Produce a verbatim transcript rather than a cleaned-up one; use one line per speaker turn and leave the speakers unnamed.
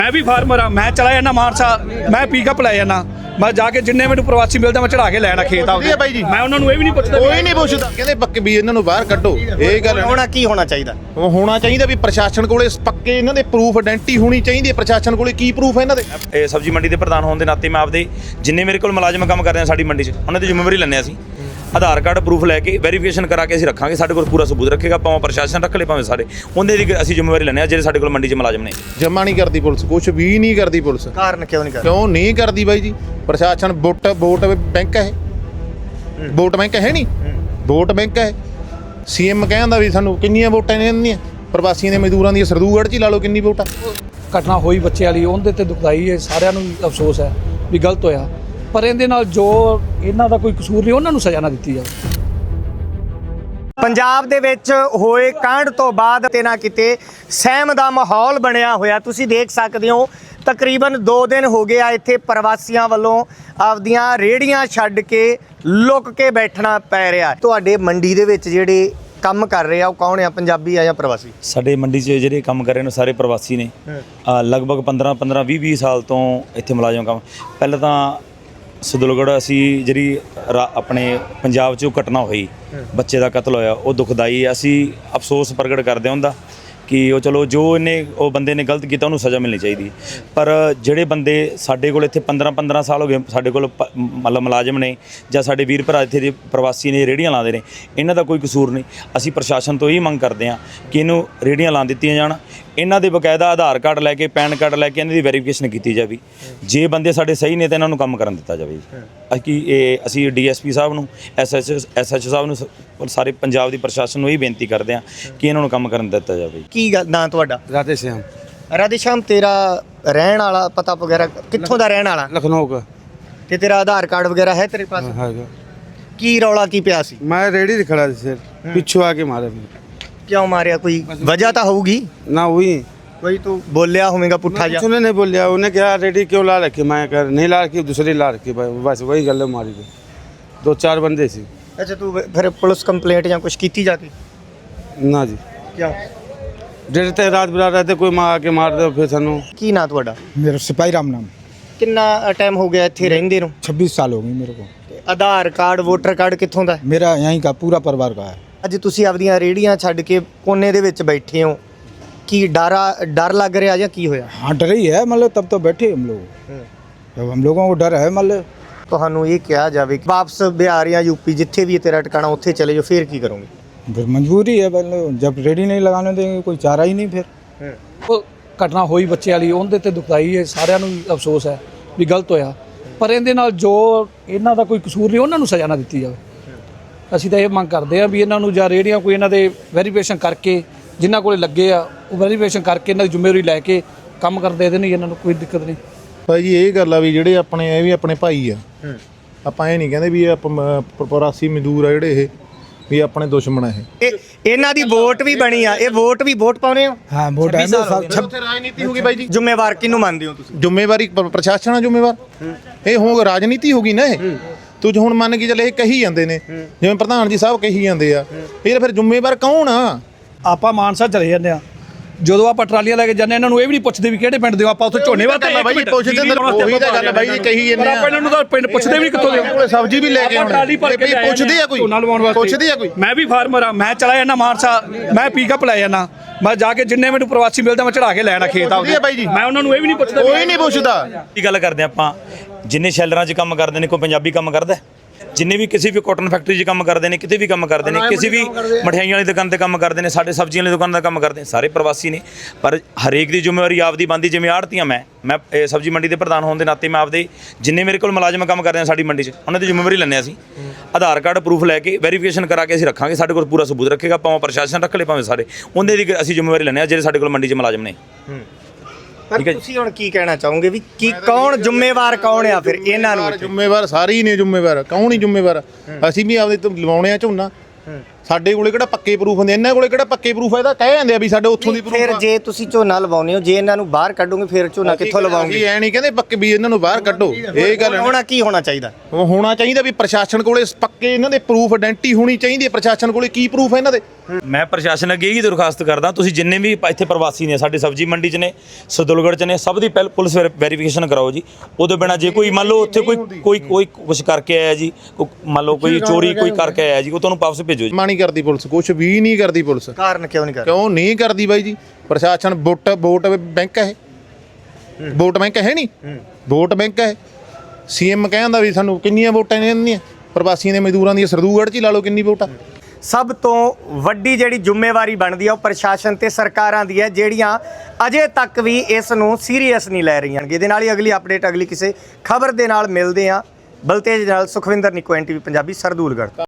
मैं भी फार्मर हाँ, मैं चला जाना मानसा, मैं पिकअप लै जाना, मैं जाके जिन्ने मैनूं प्रवासी मिलदा मैं चढ़ा के लैना खेत आपदे।
ਬਾਈ ਜੀ
मैं उन्होंने ये भी नहीं पुछदा,
ਕੋਈ ਨਹੀਂ ਪੁੱਛਦਾ। ਕਹਿੰਦੇ ਪੱਕੇ ਵੀ ਇਹਨਾਂ ਨੂੰ ਬਾਹਰ ਕੱਢੋ। ਇਹ ਗੱਲ
ਹੋਣਾ ਕੀ ਹੋਣਾ ਚਾਹੀਦਾ?
ਉਹ ਹੋਣਾ ਚਾਹੀਦਾ ਵੀ ਪ੍ਰਸ਼ਾਸਨ ਕੋਲੇ ਪੱਕੇ ਇਹਨਾਂ ਦੇ ਪ੍ਰੂਫ ਆਇਡੈਂਟੀ ਹੋਣੀ ਚਾਹੀਦੀ ਹੈ। ਪ੍ਰਸ਼ਾਸਨ ਕੋਲੇ ਕੀ ਪ੍ਰੂਫ ਹੈ ਇਹਨਾਂ ਦੇ?
ਇਹ ਸਬਜ਼ੀ ਮੰਡੀ ਦੇ ਪ੍ਰਧਾਨ ਹੋਣ ਦੇ ਨਾਤੇ ਮੈਂ ਆਪਦੇ ਜਿੰਨੇ ਮੇਰੇ ਕੋਲ ਮੁਲਾਜ਼ਮ ਕੰਮ ਕਰ ਰਹੇ ਆ ਸਾਡੀ ਮੰਡੀ 'ਚ ਉਹਨਾਂ ਦੀ ਜ਼ਿੰਮੇਵਾਰੀ ਲੈਂਦੇ ਅਸੀਂ। ਆਧਾਰ ਕਾਰਡ ਪ੍ਰੂਫ ਲੈ ਕੇ ਵੈਰੀਫਿਕੇਸ਼ਨ ਕਰਾ ਕੇ ਅਸੀਂ ਰੱਖਾਂਗੇ। ਸਾਡੇ ਕੋਲ ਪੂਰਾ ਸਬੂਤ ਰੱਖੇਗਾ, ਭਾਵੇਂ ਪ੍ਰਸ਼ਾਸਨ ਰੱਖ ਲੇ ਭਾਵੇਂ ਸਾਰੇ, ਉਹਦੇ ਦੀ ਅਸੀਂ ਜ਼ਿੰਮੇਵਾਰੀ ਲੈਂਦੇ ਆ ਜਿਹੜੇ ਸਾਡੇ ਕੋਲ ਮੰਡੀ 'ਚ ਮੁਲਾਜ਼ਮ ਨੇ।
ਜਮਾ ਨਹੀਂ ਕਰਦੀ ਪੁਲਿਸ, ਕੁਝ ਵੀ ਨਹੀਂ ਕਰਦੀ ਪੁਲਿਸ।
ਕਾਰਨ ਕਿਉਂ ਨਹੀਂ ਕਰਦਾ?
ਕਿਉਂ ਨਹੀਂ ਕਰਦੀ ਬਾਈ ਜੀ? ਪ੍ਰਸ਼ਾਸਨ ਵੋਟ ਵੋਟ ਬੈਂਕ ਹੈ, ਵੋਟ ਬੈਂਕ ਹੈ ਨਹੀਂ, ਵੋਟ ਬੈਂਕ ਹੈ। ਸੀਐਮ ਕਹਿੰਦਾ ਵੀ ਸਾਨੂੰ ਕਿੰਨੀਆਂ ਵੋਟਾਂ ਨੇ ਇਹਨਾਂ ਦੀਆਂ, ਪ੍ਰਵਾਸੀਆਂ ਦੇ ਮਜ਼ਦੂਰਾਂ ਦੀਆਂ ਸਰਦੂਗੜ੍ਹ 'ਚ ਹੀ ਲਾ ਲਓ ਕਿੰਨੀ ਵੋਟਾਂ।
ਘਟਨਾ ਹੋਈ ਬੱਚੇ ਵਾਲੀ, ਉਹਦੇ ਤੇ ਦੁਖਦਾਈ ਹੈ, ਸਾਰਿਆਂ ਨੂੰ ਅਫਸੋਸ ਹੈ ਵੀ ਗਲਤ ਹੋਇਆ, ਪਰ ਇਹਦੇ ਨਾਲ ਜੋ ਇਹਨਾਂ ਦਾ ਕੋਈ ਕਸੂਰ ਨਹੀਂ ਉਹਨਾਂ ਨੂੰ ਸਜ਼ਾ ਨਾ ਦਿੱਤੀ ਜਾਵੇ।
ਪੰਜਾਬ ਦੇ ਵਿੱਚ ਹੋਏ ਕਾਂਡ ਤੋਂ ਬਾਅਦ ਤੇ ਨਾ ਕਿਤੇ ਸਹਿਮ ਦਾ ਮਾਹੌਲ ਬਣਿਆ ਹੋਇਆ ਤੁਸੀਂ ਦੇਖ ਸਕਦੇ ਹੋ। ਤਕਰੀਬਨ ਦੋ ਦਿਨ ਹੋ ਗਏ ਆ ਇੱਥੇ ਪ੍ਰਵਾਸੀਆਂ ਵੱਲੋਂ ਆਪਦੀਆਂ ਰੇੜੀਆਂ ਛੱਡ ਕੇ ਲੁੱਕ ਕੇ ਬੈਠਣਾ ਪੈ ਰਿਹਾ। ਤੁਹਾਡੇ ਮੰਡੀ ਦੇ ਵਿੱਚ ਜਿਹੜੇ ਕੰਮ ਕਰ ਰਹੇ ਆ ਉਹ ਕੌਣ ਆ, ਪੰਜਾਬੀ ਆ ਜਾਂ ਪ੍ਰਵਾਸੀ?
ਸਾਡੇ ਮੰਡੀ 'ਚ ਜਿਹੜੇ ਕੰਮ ਕਰ ਰਹੇ ਨੇ ਸਾਰੇ ਪ੍ਰਵਾਸੀ ਨੇ। ਅ, ਲਗਭਗ ਪੰਦਰਾਂ ਪੰਦਰਾਂ ਵੀਹ ਵੀਹ ਸਾਲ ਤੋਂ ਇੱਥੇ ਮੁਲਾਜ਼ਮ ਕੰਮ। ਪਹਿਲਾਂ ਤਾਂ ਸਦੁਲਗੜ੍ਹ ਅਸੀਂ ਜਿਹੜੀ ਰਾ- ਆਪਣੇ ਪੰਜਾਬ 'ਚ ਉਹ ਘਟਨਾ ਹੋਈ, ਬੱਚੇ ਦਾ ਕਤਲ ਹੋਇਆ, ਉਹ ਦੁਖਦਾਈ ਹੈ। ਅਸੀਂ ਅਫਸੋਸ ਪ੍ਰਗਟ ਕਰਦੇ ਹਾਂ ਉਹਦਾ ਕਿ ਉਹ ਚਲੋ ਜੋ ਇਹਨੇ ਉਹ ਬੰਦੇ ਨੇ ਗਲਤ ਕੀਤਾ ਉਹਨੂੰ ਸਜ਼ਾ ਮਿਲਣੀ ਚਾਹੀਦੀ। ਪਰ ਜਿਹੜੇ ਬੰਦੇ ਸਾਡੇ ਕੋਲ ਇੱਥੇ ਪੰਦਰਾਂ ਪੰਦਰਾਂ ਸਾਲ ਹੋ ਗਏ ਸਾਡੇ ਕੋਲ ਪ- ਮਤਲਬ ਮੁਲਾਜ਼ਮ ਨੇ ਜਾਂ ਸਾਡੇ ਵੀਰ ਭਰਾ ਇੱਥੇ ਦੇ ਪ੍ਰਵਾਸੀ ਨੇ ਰੇਹੜੀਆਂ ਲਾਉਂਦੇ ਨੇ, ਇਹਨਾਂ ਦਾ ਕੋਈ ਕਸੂਰ ਨਹੀਂ। ਅਸੀਂ ਪ੍ਰਸ਼ਾਸਨ ਤੋਂ ਇਹ ਮੰਗ ਕਰਦੇ ਹਾਂ ਕਿ ਇਹਨੂੰ ਰੇਹੜੀਆਂ ਲਾ ਦਿੱਤੀਆਂ ਜਾਣ, ਇਹਨਾਂ ਦੇ ਬਕਾਇਦਾ ਆਧਾਰ ਕਾਰਡ ਲੈ ਕੇ ਪੈਨ ਕਾਰਡ ਲੈ ਕੇ ਇਹਨਾਂ ਦੀ ਵੈਰੀਫਿਕੇਸ਼ਨ ਕੀਤੀ ਜਾਵੇ। ਜੇ ਬੰਦੇ ਸਾਡੇ ਸਹੀ ਨੇ ਤਾਂ ਇਹਨਾਂ ਨੂੰ ਕੰਮ ਕਰਨ ਦਿੱਤਾ ਜਾਵੇ। ਅਸੀਂ ਇਹ ਅਸੀਂ ਡੀਐਸਪੀ ਸਾਹਿਬ ਨੂੰ, ਐਸਐਚਓ ਐਸਐਚਓ ਸਾਹਿਬ ਨੂੰ, ਸ- ਸਾਰੇ ਪੰਜਾਬ ਦੀ ਪ੍ਰਸ਼ਾਸਨ ਨੂੰ ਇਹ ਬੇਨਤੀ ਕਰਦੇ ਹਾਂ ਕਿ ਇਹਨਾਂ ਨੂੰ ਕੰਮ ਕਰਨ ਦਿੱਤਾ ਜਾਵੇ।
ਕੀ ਗੱਲ ਨਾਂ ਤੁਹਾਡਾ?
राधे श्याम,
ਰਾਧੇ ਸ਼ਾਮ, ਤੇਰਾ ਰਹਿਣ ਵਾਲਾ ਪਤਾ ਵਗੈਰਾ ਕਿੱਥੋਂ ਦਾ ਰਹਿਣ ਵਾਲਾ
लखनऊ का
ਤੇ ਤੇਰਾ ਆਧਾਰ ਕਾਰਡ ਵਗੈਰਾ ਹੈ ਤੇਰੇ ਪਾਸ?
है।
ਕੀ ਰੌਲਾ ਕੀ ਪਿਆ ਸੀ?
मैं रेडी से खड़ा था सर, पिछू आके मारा मेरे।
ਕਿਉਂ ਮਾਰਿਆ? ਕੋਈ ਵਜ੍ਹਾ ਤਾਂ ਹੋਊਗੀ,
ना हुई
ਕੋਈ तू बोलिया होगा पुट्ठा जा?
उसने नहीं बोलिया, उन्हें क्या रेडी क्यों ला रखी? मैं कर नहीं ला रखी, दूसरी ला रखी, बस वही गले मारी गई। दो चार बंदे सी।
अच्छा, तू फिर पुलिस कंप्लेंट या कुछ की जाके?
ना जी,
क्यों?
डरते रात बिरा रहते कोई माँ आके मार दे फिर सानू।
की ना ਤੁਹਾਡਾ?
मेरा सिपाही राम नाम।
ਕਿੰਨਾ ਟਾਈਮ ਹੋ ਗਿਆ ਇੱਥੇ ਰਹਿੰਦੇ ਨੂੰ?
छब्बीस साल हो गई मेरे को।
ਆਧਾਰ ਕਾਰਡ ਵੋਟਰ ਕਾਰਡ ਕਿੱਥੋਂ ਦਾ?
मेरा यहीं का पूरा परिवार का है।
ਅੱਜ ਤੁਸੀਂ ਆਪਦੀਆਂ ਰੇੜੀਆਂ ਛੱਡ ਕੇ ਕੋਨੇ ਦੇ ਵਿੱਚ ਬੈਠੇ ਹੋ, ਕੀ ਡਰਾ ਡਰ ਲੱਗ ਰਿਹਾ ਜਾਂ ਕੀ ਹੋਇਆ?
हाँ डर ही है, मतलब तब तो बैठे हम लोग, जब हम लोगों को डर है मतलब।
ਤੁਹਾਨੂੰ ਇਹ ਕਿਹਾ ਜਾਵੇ ਕਿ ਵਾਪਸ ਬਿਹਾਰ ਜਾਂ ਯੂਪੀ ਜਿੱਥੇ ਵੀ ਤੇਰਾ ਟਿਕਾਣਾ ਉੱਥੇ ਚਲੇ ਜਾਓ, ਫਿਰ ਕੀ ਕਰੋਗੇ?
फिर मजबूरी है, मतलब जब रेडी नहीं लगाने देंगे कोई चारा ही नहीं फिर।
ਉਹ ਘਟਨਾ ਹੋਈ ਬੱਚੇ ਵਾਲੀ, ਉਹਦੇ ਤੇ ਦੁਖਦਾਈ ਹੈ, ਸਾਰਿਆਂ ਨੂੰ ਅਫਸੋਸ ਹੈ ਵੀ ਗਲਤ ਹੋਇਆ, ਪਰ ਇਹਦੇ ਨਾਲ ਜੋ ਇਹਨਾਂ ਦਾ ਕੋਈ ਕਸੂਰ ਨਹੀਂ ਉਹਨਾਂ ਨੂੰ ਸਜ਼ਾ ਨਾ ਦਿੱਤੀ ਜਾਵੇ। ਅਸੀਂ ਤਾਂ ਇਹ ਮੰਗ ਕਰਦੇ ਹਾਂ ਵੀ ਇਹਨਾਂ ਨੂੰ ਜਾਂ ਰੇਹੜੀਆਂ ਕੋਈ ਇਹਨਾਂ ਦੇ ਵੈਰੀਫਿਕੇਸ਼ਨ ਕਰਕੇ ਜਿਨ੍ਹਾਂ ਕੋਲੇ ਲੱਗੇ ਆ ਉਹ ਵੈਰੀਫਿਕੇਸ਼ਨ ਕਰਕੇ ਇਹਨਾਂ ਦੀ ਜ਼ਿੰਮੇਵਾਰੀ ਲੈ ਕੇ ਕੰਮ ਕਰਦੇ ਇਹਦੇ ਨਹੀਂ, ਇਹਨਾਂ ਨੂੰ ਕੋਈ ਦਿੱਕਤ ਨਹੀਂ।
ਭਾਈ ਜੀ ਇਹ ਗੱਲ ਆ ਵੀ ਜਿਹੜੇ ਆਪਣੇ ਇਹ ਵੀ ਆਪਣੇ ਭਾਈ ਆ, ਆਪਾਂ ਇਹ ਨਹੀਂ ਕਹਿੰਦੇ ਵੀ ਇਹ ਆਪਾਂ ਪ੍ਰਵਾਸੀ ਮਜ਼ਦੂਰ ਆ ਜਿਹੜੇ ਇਹ ਵੀ ਆਪਣੇ ਦੁਸ਼ਮਣ ਆ। ਇਹ
ਇਹ ਇਹਨਾਂ ਦੀ ਵੋਟ ਵੀ ਬਣੀ ਆ, ਇਹ ਵੋਟ ਵੀ ਵੋਟ ਪਾਉਣੇ ਹੋ?
हाँ वोट है मेरे साथ।
ਉੱਥੇ ਰਾਜਨੀਤੀ ਹੋ ਗਈ ਬਾਈ ਜੀ।
ਜ਼ਿੰਮੇਵਾਰ ਕਿਹਨੂੰ ਮੰਨਦੇ ਹੋ ਤੁਸੀਂ?
ਜ਼ਿੰਮੇਵਾਰੀ ਪ- ਪ੍ਰਸ਼ਾਸਨ ਆ ਜ਼ਿੰਮੇਵਾਰ। ਇਹ ਹੋ ਰਾਜਨੀਤੀ ਹੋ ਗਈ ਨਾ। ਇਹ ਤੂੰ ਹੁਣ ਮੰਨ ਕੇ ਚੱਲ ਇਹ ਕਹੀ ਜਾਂਦੇ ਨੇ, ਜਿਵੇਂ ਪ੍ਰਧਾਨ ਜੀ ਸਾਹਿਬ ਕਹੀ ਜਾਂਦੇ ਆ, ਇਹ ਫਿਰ ਜ਼ਿੰਮੇਵਾਰ ਕੌਣ ਆ?
ਆਪਾਂ ਮਾਨਸਾ ਚਲੇ ਜਾਂਦੇ ਆ, ਜਦੋਂ ਆਪਾਂ ਟਰਾਲੀਆਂ ਲੈ ਕੇ ਜਾਂਦੇ ਇਹਨਾਂ ਨੂੰ ਇਹ ਵੀ ਨਹੀਂ ਪੁੱਛਦੇ ਵੀ ਕਿਹੜੇ ਪਿੰਡ ਦੇ ਹੋ, ਆਪਾਂ ਉੱਥੇ ਝੋਨੇ ਵਾਸਤੇ
ਬਾਈ ਜੀ ਪੁੱਛਦੇ ਨੇ, ਉਹੀ ਤਾਂ ਗੱਲ ਬਾਈ ਜੀ ਕਹੀ ਜਾਂਦੇ ਆ।
ਆਪਾਂ ਇਹਨਾਂ ਨੂੰ ਤਾਂ ਪਿੰਡ ਪੁੱਛਦੇ ਵੀ ਨਹੀਂ ਕਿੱਥੋਂ ਦੇ ਹੋ।
ਸਬਜ਼ੀ ਵੀ ਲੈ ਕੇ
ਆਪਾਂ ਟਰਾਲੀ ਭਰ ਕੇ
ਆਉਣੀ, ਪੁੱਛਦੇ ਆ ਕੋਈ?
ਝੋਨਾ ਲਵਾਉਣ ਵਾਸਤੇ
ਪੁੱਛਦੇ ਆ ਕੋਈ?
ਮੈਂ ਵੀ ਫਾਰਮਰ ਆ, ਮੈਂ ਚਲਾ ਜਾਣਾ ਮਾਨਸਾ, ਮੈਂ ਪਿਕਅਪ ਲੈ ਜਾਣਾ, ਮੈਂ ਜਾ ਕੇ ਜਿੰਨੇ ਮੈਨੂੰ ਪ੍ਰਵਾਸੀ ਮਿਲਦਾ ਮੈਂ ਚੜਾ ਕੇ ਲੈਣਾ ਖੇਤ ਆਪਦੇ।
ਬਾਈ ਜੀ
ਮੈਂ ਉਹਨਾਂ ਨੂੰ ਇਹ ਵੀ ਨਹੀਂ ਪੁੱਛਦਾ
ਕੋਈ ਨਹੀਂ ਪੁੱਛਦਾ।
ਕੀ ਗੱਲ ਕਰਦੇ ਆਪਾਂ, ਜਿੰਨੇ ਸ਼ੈਲਰਾਂ 'ਚ ਕੰਮ ਕਰਦੇ ਨੇ ਕੋਈ ਪੰਜਾਬੀ ਕੰਮ ਕਰਦਾ? ਜਿੰਨੇ ਵੀ ਕਿਸੇ ਵੀ ਕਾਟਨ ਫੈਕਟਰੀ 'ਚ ਕੰਮ ਕਰਦੇ ਨੇ, ਕਿਤੇ ਵੀ ਕੰਮ ਕਰਦੇ ਨੇ, ਕਿਸੇ ਵੀ ਮਠਿਆਈਆਂ ਵਾਲੀ ਦੁਕਾਨ ਤੇ ਕੰਮ ਕਰਦੇ ਨੇ, ਸਾਡੇ ਸਬਜ਼ੀਆਂ ਵਾਲੀ ਦੁਕਾਨ ਦਾ ਕੰਮ ਕਰਦੇ ਨੇ, ਸਾਰੇ ਪ੍ਰਵਾਸੀ ਨੇ। ਪਰ ਹਰੇਕ ਦੀ ਜ਼ਿੰਮੇਵਾਰੀ ਆਪਦੀ ਬਣਦੀ। ਜਿਵੇਂ ਆੜ੍ਹਤੀਆਂ ਮੈਂ ਮੈਂ ਇਹ ਸਬਜ਼ੀ ਮੰਡੀ ਦੇ ਪ੍ਰਧਾਨ ਹੋਣ ਦੇ ਨਾਤੇ ਮੈਂ ਆਪਦੇ ਜਿੰਨੇ ਮੇਰੇ ਕੋਲ ਮੁਲਾਜ਼ਮ ਕੰਮ ਕਰ ਰਹੇ ਆ ਸਾਡੀ ਮੰਡੀ 'ਚ ਉਹਨਾਂ ਦੀ ਜ਼ਿੰਮੇਵਾਰੀ ਲੈਂਦੇ ਅਸੀਂ। ਆਧਾਰ ਕਾਰਡ ਪ੍ਰੂਫ ਲੈ ਕੇ ਵੈਰੀਫਿਕੇਸ਼ਨ ਕਰਾ ਕੇ ਅਸੀਂ ਰੱਖਾਂਗੇ। ਸਾਡੇ ਕੋਲ ਪੂਰਾ ਸਬੂਤ ਰੱਖੇਗਾ, ਭਾਵੇਂ ਪ੍ਰਸ਼ਾਸਨ ਰੱਖ ਲੇ ਭਾਵੇਂ ਸਾਰੇ, ਉਹਦੇ ਦੀ ਅਸੀਂ ਜ਼ਿੰਮੇਵਾਰੀ ਲੈਂਦੇ ਆ ਜਿਹੜੇ ਸਾਡੇ ਕੋਲ ਮੰਡੀ 'ਚ ਮੁਲਾਜ਼ਮ ਨੇ।
ਪਰ ਤੁਸੀਂ ਹੁਣ ਕੀ ਕਹਿਣਾ ਚਾਹੋਗੇ ਵੀ ਕੀ ਕੌਣ ਜ਼ਿੰਮੇਵਾਰ ਕੌਣ ਆ ਫਿਰ ਇਹਨਾਂ ਨੂੰ?
ਜ਼ਿੰਮੇਵਾਰ ਸਾਰੇ ਹੀ ਨੇ ਜ਼ਿੰਮੇਵਾਰ, ਕੌਣ ਹੀ ਜ਼ਿੰਮੇਵਾਰ? ਅਸੀਂ ਵੀ ਆਪਦੇ ਤੋਂ ਲਵਾਉਣੇ ਆ ਝੋਨਾ, ਸਾਡੇ ਕੋਲੇ ਕਿਹੜਾ ਪੱਕੇ ਪ੍ਰੂਫ ਹੁੰਦੇ, ਇਹਨਾਂ ਕੋਲੇ ਕਿਹੜਾ ਪੱਕੇ ਪ੍ਰੂਫ ਹੈ? ਇਹਦਾ ਕਹਿ ਜਾਂਦੇ ਆ ਵੀ ਸਾਡੇ ਉੱਥੋਂ ਦੀ
ਫਿਰ
ਪ੍ਰੂਫ
ਜੇ ਤੁਸੀਂ ਝੋਨਾ ਲਵਾਉਂਦੇ ਹੋ, ਜੇ ਇਹਨਾਂ ਨੂੰ ਬਾਹਰ ਕੱਢੋਗੇ ਫਿਰ ਝੋਨਾ ਕਿੱਥੋਂ ਲਵਾਉਂਗੇ?
ਅਸੀਂ ਐ ਨਹੀਂ ਕਹਿੰਦੇ ਪੱਕੇ ਵੀ ਇਹਨਾਂ ਨੂੰ ਬਾਹਰ ਕੱਢੋ, ਇਹ ਗੱਲ ਨਹੀਂ।
ਹੋਣਾ ਕੀ ਹੋਣਾ ਚਾਹੀਦਾ?
ਉਹ ਹੋਣਾ ਚਾਹੀਦਾ ਵੀ ਪ੍ਰਸ਼ਾਸਨ ਕੋਲੇ ਪੱਕੇ ਇਹਨਾਂ ਦੇ ਪ੍ਰੂਫ ਆਇਡੈਂਟੀ ਹੋਣੀ ਚਾਹੀਦੀ ਹੈ। ਪ੍ਰਸ਼ਾਸਨ ਕੋਲੇ ਕੀ ਪ੍ਰੂਫ ਹੈ ਇਹਨਾਂ ਦੇ?
ਮੈਂ ਪ੍ਰਸ਼ਾਸਨ ਅੱਗੇ ਇਹੀ ਦਰਖਾਸਤ ਕਰਦਾ, ਤੁਸੀਂ ਜਿੰਨੇ ਵੀ ਇੱਥੇ ਪ੍ਰਵਾਸੀ ਨੇ, ਸਾਡੇ ਸਬਜ਼ੀ ਮੰਡੀ 'ਚ ਨੇ, ਸਦੁਲਗੜ੍ਹ 'ਚ ਨੇ, ਸਭ ਦੀ ਪਹਿਲ ਪੁਲਿਸ ਵੈਰੀਫਿਕੇਸ਼ਨ ਕਰਾਓ ਜੀ। ਉਹਦੇ ਬਿਨਾਂ ਜੇ ਕੋਈ ਮੰਨ ਲਓ ਉੱਥੇ ਕੋਈ ਕੋਈ ਕੋਈ ਕੁਛ ਕਰਕੇ ਆਇਆ ਜੀ, ਮੰਨ ਲਓ ਕੋਈ ਚੋਰੀ ਕੋਈ ਕਰਕੇ ਆਇਆ ਜੀ, ਉਹ ਤੁਹਾਨੂੰ ਵਾਪਸ ਭੇਜੋ ਜੀ।
ਮਾਂ ਨਹੀਂ ਕਰਦੀ ਪੁਲਿਸ, ਕੁਛ ਵੀ ਨਹੀਂ ਕਰਦੀ ਪੁਲਿਸ।
ਕਾਰਨ ਕਿਉਂ ਨਹੀਂ ਕਰਦਾ?
ਕਿਉਂ ਨਹੀਂ ਕਰਦੀ ਬਾਈ ਜੀ? ਪ੍ਰਸ਼ਾਸਨ ਵੋਟ ਵੋਟ ਬੈਂਕ ਹੈ ਇਹ, ਵੋਟ ਬੈਂਕ ਹੈ ਨਹੀਂ, ਵੋਟ ਬੈਂਕ ਹੈ। ਸੀਐਮ ਕਹਿੰਦਾ ਵੀ ਸਾਨੂੰ ਕਿੰਨੀਆਂ ਵੋਟਾਂ ਨੇ ਇਹਨਾਂ ਦੀਆਂ, ਪ੍ਰਵਾਸੀਆਂ ਦੇ ਮਜ਼ਦੂਰਾਂ ਦੀਆਂ ਸਰਦੂਗੜ੍ਹ 'ਚ ਹੀ ਲਾ ਲਓ ਕਿੰਨੀ ਵੋਟਾਂ।
ਸਭ ਤੋਂ ਵੱਡੀ ਜਿਹੜੀ ਜ਼ਿੰਮੇਵਾਰੀ ਬਣਦੀ ਹੈ ਉਹ ਪ੍ਰਸ਼ਾਸਨ ਤੇ ਸਰਕਾਰਾਂ ਦੀ ਹੈ, ਜਿਹੜੀਆਂ ਅਜੇ ਤੱਕ ਵੀ ਇਸ ਨੂੰ ਸੀਰੀਅਸ ਨਹੀਂ ਲੈ ਰਹੀਆਂ। ਇਹਦੇ ਨਾਲ ਹੀ ਅਗਲੀ ਅਪਡੇਟ ਅਗਲੀ ਕਿਸੇ ਖਬਰ ਦੇ ਨਾਲ ਮਿਲਦੇ ਹਾਂ। ਬਲਤੇਜ ਨਾਲ Sukhwinder Nikku, N T V Punjabi, Sardulgarh.